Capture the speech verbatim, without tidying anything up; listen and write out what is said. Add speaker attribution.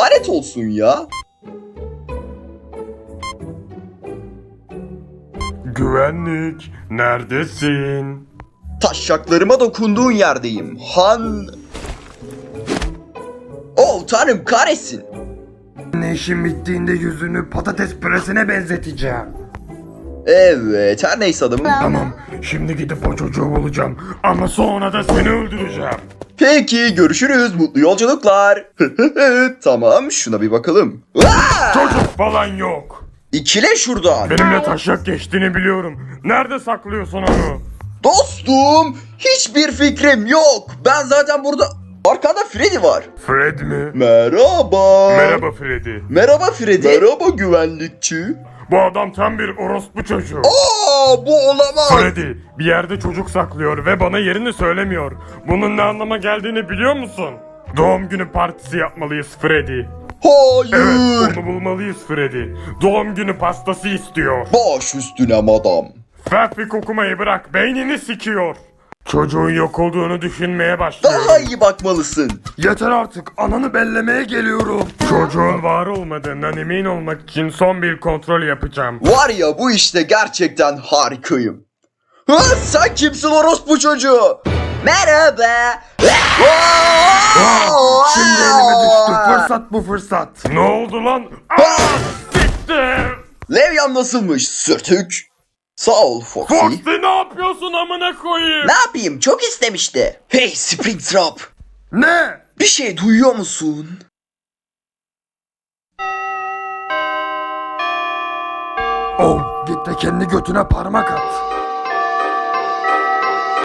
Speaker 1: lanet olsun ya.
Speaker 2: Güvenlik, neredesin?
Speaker 1: Taşaklarıma dokunduğun yerdeyim. Han... Oh tanrım kahretsin.
Speaker 2: Ne işin bittiğinde yüzünü patates püresine benzeteceğim.
Speaker 1: Evet her neyse adamım.
Speaker 2: Tamam, şimdi gidip o çocuğu bulacağım. Ama sonra da seni öldüreceğim.
Speaker 1: Peki görüşürüz. Mutlu yolculuklar. Tamam şuna bir bakalım. Aa!
Speaker 2: Çocuk falan yok.
Speaker 1: İkile şuradan.
Speaker 2: Benimle taşak geçtiğini biliyorum. Nerede saklıyorsun onu?
Speaker 1: Dostum hiçbir fikrim yok. Ben zaten burada... Arkanda Freddy var.
Speaker 2: Fred mi?
Speaker 1: Merhaba.
Speaker 2: Merhaba Freddy.
Speaker 1: Merhaba Freddy. Merhaba güvenlikçi.
Speaker 2: Bu adam tam bir orospu çocuğu.
Speaker 1: Aa bu olamaz.
Speaker 2: Freddy bir yerde çocuk saklıyor ve bana yerini söylemiyor. Bunun ne anlama geldiğini biliyor musun? Doğum günü partisi yapmalıyız Freddy.
Speaker 1: Hayır.
Speaker 2: Evet, onu bulmalıyız Freddy. Doğum günü pastası istiyor.
Speaker 1: Baş üstüne madam.
Speaker 2: Fafik okumayı bırak, beynini sikiyor. Çocuğun yok olduğunu düşünmeye başlıyorum.
Speaker 1: Daha iyi bakmalısın.
Speaker 2: Yeter artık, ananı bellemeye geliyorum. Çocuğun var olmadığından emin olmak için son bir kontrol yapacağım.
Speaker 1: Var ya bu işte gerçekten harikayım. Ha, sen kimsin orospu çocuğu? Merhaba.
Speaker 2: Şimdi elime düştü, fırsat bu fırsat. Ne oldu lan? Aa, siktir.
Speaker 1: Levyan nasılmış sürtük? Sağ ol Foxy.
Speaker 2: Foxy ne yapıyorsun amına koyayım?
Speaker 1: Ne yapayım çok istemişti. Hey Springtrap.
Speaker 2: Ne?
Speaker 1: Bir şey duyuyor musun?
Speaker 2: Oh, git de kendi götüne parmak at.